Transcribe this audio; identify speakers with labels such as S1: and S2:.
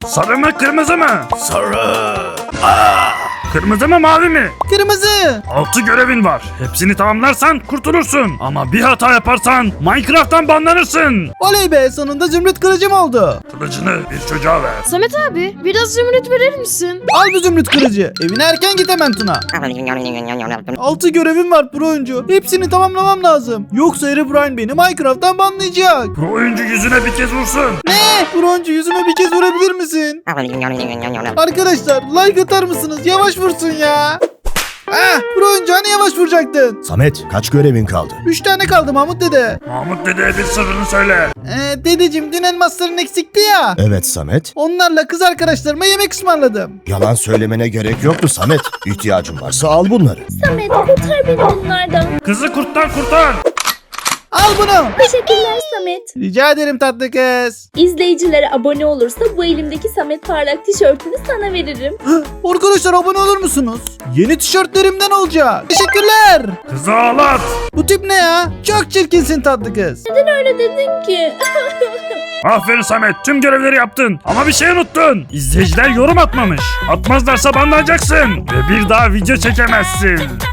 S1: Sarı mı kırmızı mı? Sarı. Kırmızı mı mavi mi?
S2: Kırmızı.
S1: 6 görevin var. Hepsini tamamlarsan kurtulursun. Ama bir hata yaparsan Minecraft'tan banlanırsın.
S2: Oley be, sonunda zümrüt kılıcım oldu.
S1: Kılıcını bir çocuğa ver.
S3: Samet abi biraz zümrüt verir misin?
S2: Al bu zümrüt kılıcı. Evine erken git hemen Tuna. 6 görevim var pro oyuncu. Hepsini tamamlamam lazım. Yoksa Herobrine beni Minecraft'tan banlayacak.
S1: Pro oyuncu yüzüne bir kez vursun.
S2: Ne? Pro oyuncu yüzüme bir kez vurabilir misin? Arkadaşlar like atar mısınız? Yavaş vursun ya. Pro oyuncu hani yavaş vuracaktın?
S4: Samet, kaç görevin kaldı?
S2: 3 tane kaldı Mahmut dede.
S1: Mahmut dedeye bir sırrını söyle.
S2: Dedeciğim dün elmasların eksikti ya.
S4: Evet Samet.
S2: Onlarla kız arkadaşlarıma yemek ısmarladım.
S4: Yalan söylemene gerek yoktu Samet. İhtiyacın varsa al bunları.
S5: Samet kurtar beni bunlardan.
S1: Kızı kurttan kurtar.
S2: Al bunu.
S5: Teşekkürler Samet.
S2: Rica ederim tatlı kız.
S5: İzleyicilere abone olursa bu elimdeki Samet Parlak tişörtünü sana veririm.
S2: Arkadaşlar abone olur musunuz? Yeni tişörtlerimden olacak. Teşekkürler.
S1: Kızı ağlat.
S2: Bu tip ne ya? Çok çirkinsin tatlı kız.
S5: Neden öyle dedin ki?
S1: Aferin Samet, tüm görevleri yaptın. Ama bir şey unuttun. İzleyiciler yorum atmamış. Atmazlarsa banlanacaksın. Ve bir daha video çekemezsin.